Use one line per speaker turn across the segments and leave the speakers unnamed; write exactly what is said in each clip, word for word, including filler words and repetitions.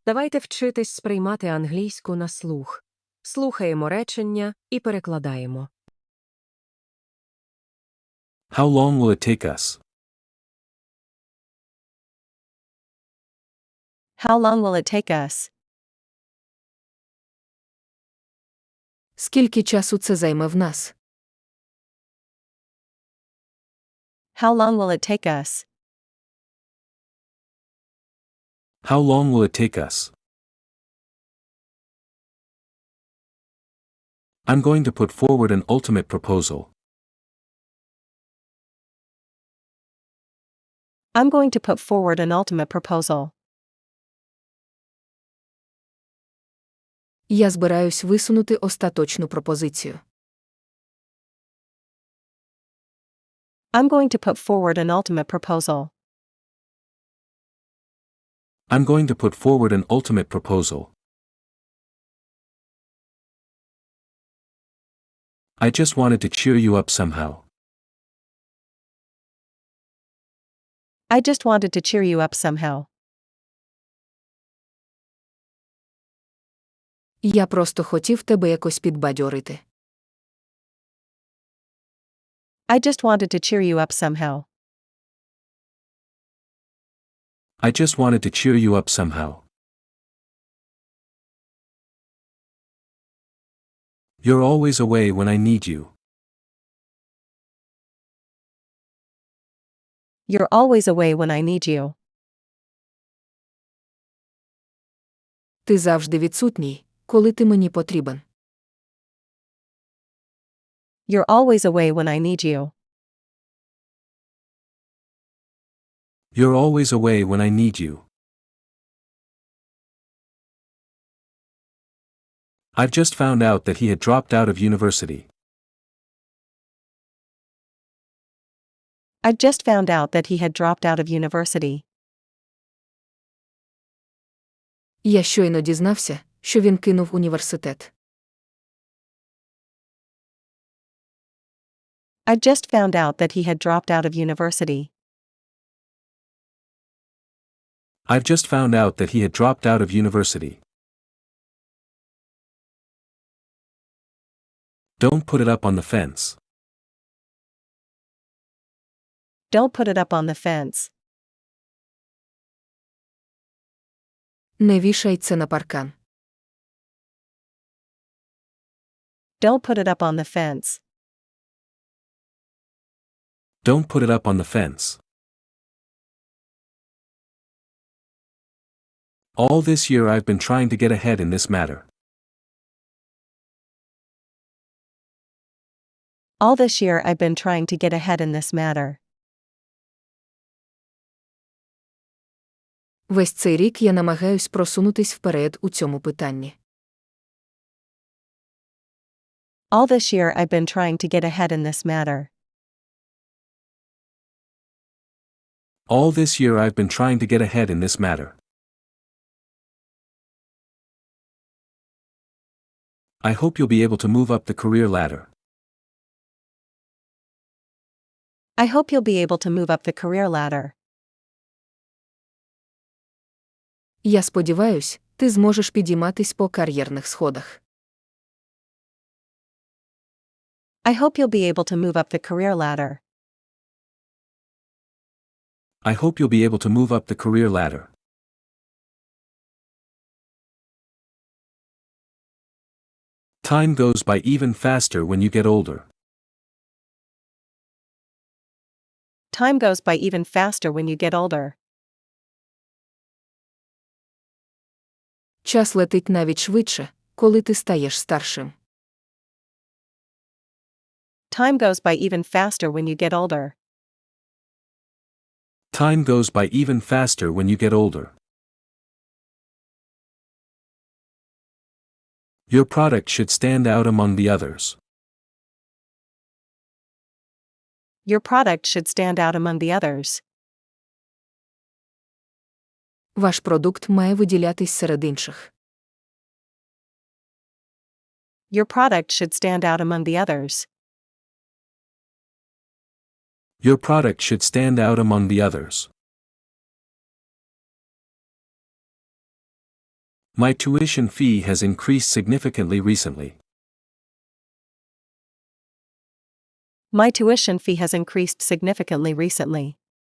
Давайте вчитись сприймати англійську на слух. Слухаємо речення і перекладаємо.
How long will it take us?
How long will it take us?
Скільки часу це займе в нас?
How long will it take us?
How long will it take us? I'm going to put forward an ultimate proposal.
I'm going to put forward an ultimate proposal.
Я збираюсь висунути остаточну пропозицію.
I'm going to put forward an ultimate proposal.
I'm going to put forward an ultimate proposal. I just wanted to cheer you up somehow.
I just wanted to cheer you up somehow.
Я просто хотів тебе якось підбадьорити.
I just wanted to cheer you up somehow.
I just wanted to cheer you up somehow. You're always away when I need you.
You're always away when I need you.
Ти завжди відсутній, коли ти мені потрібен.
You're always away when I need you.
You're always away when I need you. I've just found out that he had dropped out of university.
I'd just found out that he had dropped out of university.
Я щойно дізнався, що він кинув університет.
I'd just found out that he had dropped out of university.
I've just found out that he had dropped out of university. Don't put it up on the fence.
Don't put it up on the fence.
Не вішай це на паркан.
Don't put it up on the fence.
Don't put it up on the fence. All this year I've been trying to get ahead in this matter.
All this year I've been trying to get ahead in this matter.
Весь цей рік я намагаюсь просунутись вперед у цьому питанні.
All this year I've been trying to get ahead in this matter.
All this year I've been trying to get ahead in this matter. I hope you'll be able to move up the career ladder.
I hope you'll be able to move up the career ladder.
Я сподіваюсь, ти зможеш підійматись по кар'єрних сходах.
I hope you'll be able to move up the career ladder.
I hope you'll be able to move up the career ladder. Time goes by even faster when you get older.
Time goes by even faster when you get older.
Час летить навіть швидше, коли ти стаєш старшим.
Time goes by even faster when you get older.
Time goes by even faster when you get older. Your product should stand out among the others.
Your product should stand out among the others.
Ваш продукт має виділятись серед інших.
Your product should stand out among the others.
Your product should stand out among the others. My tuition fee has increased significantly recently.
My tuition fee has increased significantly recently.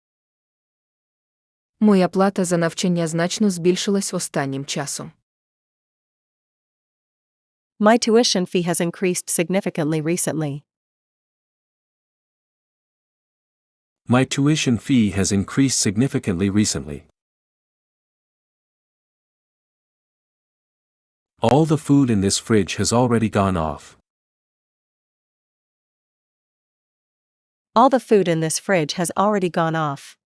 Моя плата за навчання значно збільшилась останнім часом.
My tuition fee has increased significantly recently.
My tuition fee has increased significantly recently. All the food in this fridge has already gone off.
All the food in this fridge has already gone off.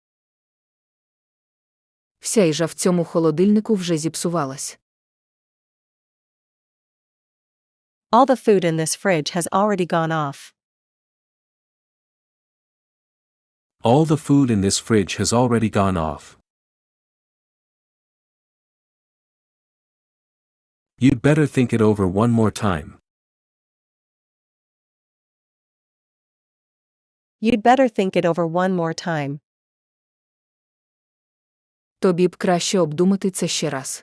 Вся їжа в цьому холодильнику вже зіпсувалась.
All the food in this fridge has already gone off.
All the food in this fridge has already gone off. You'd better think it over one more time.
You'd better think it over one more time.
Тобі б краще обдумати це ще раз.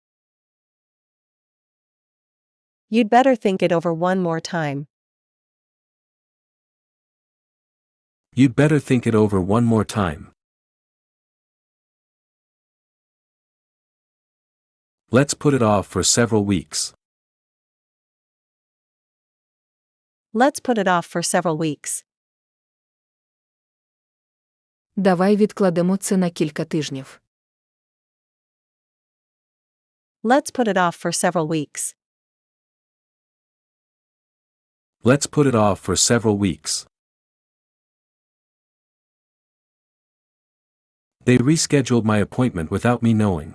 You'd better think it over one more time.
You'd better think it over one more time. Let's put it off for several weeks.
Let's put it off for several weeks.
Давай відкладемо це на кілька тижнів.
Let's put it off for several weeks.
Let's put it off for several weeks. They rescheduled my appointment without me knowing.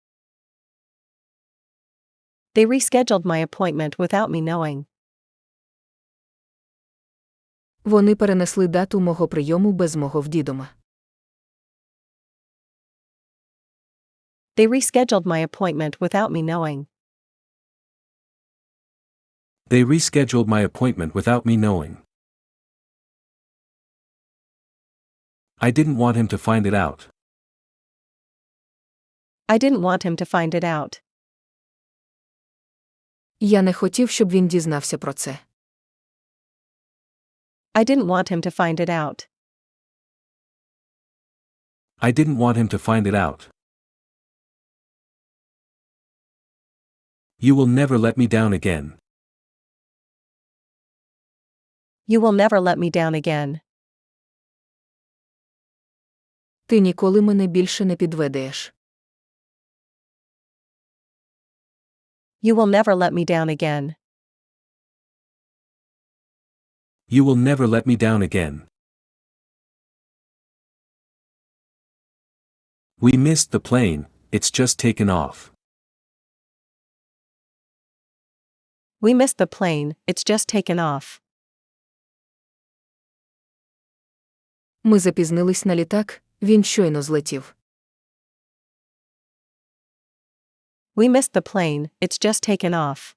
They rescheduled my appointment without me knowing.
Вони перенесли дату мого прийому без мого вдідома.
They rescheduled my appointment without me knowing.
They rescheduled my appointment without me knowing. I didn't want him to find it out.
I didn't want him to find it out.
Я не хотів, щоб він дізнався про це.
I didn't want him to find it out.
I didn't want him to find it out. You will never let me down again.
You will never let me down again.
Ти ніколи мене більше не підведеш.
You will never let me down again.
You will never let me down again. We missed the plane, it's just taken off.
We missed the plane, it's just taken off.
Ми запізнились на літак, він щойно злетів.
We missed the plane, it's just taken off.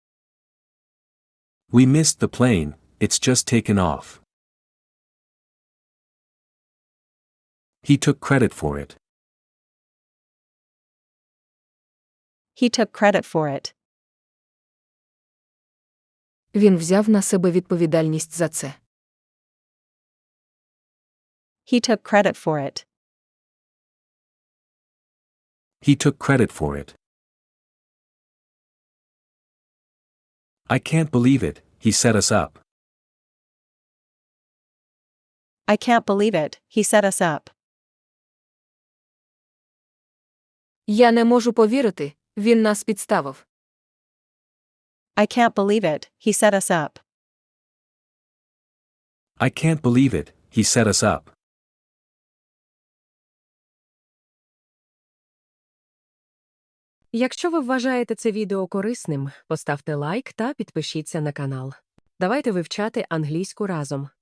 We missed the plane, it's just taken off. He took credit for it.
He took credit for it.
Він взяв на себе відповідальність за це.
He took credit for it.
He took credit for it. I can't believe it, he set us up.
I can't believe it, he set us up.
Я не можу повірити, він нас підставив.
I can't believe it, he set us up.
I can't believe it, he set us up.
Якщо ви вважаєте це відео корисним, поставте лайк та підпишіться на канал. Давайте вивчати англійську разом.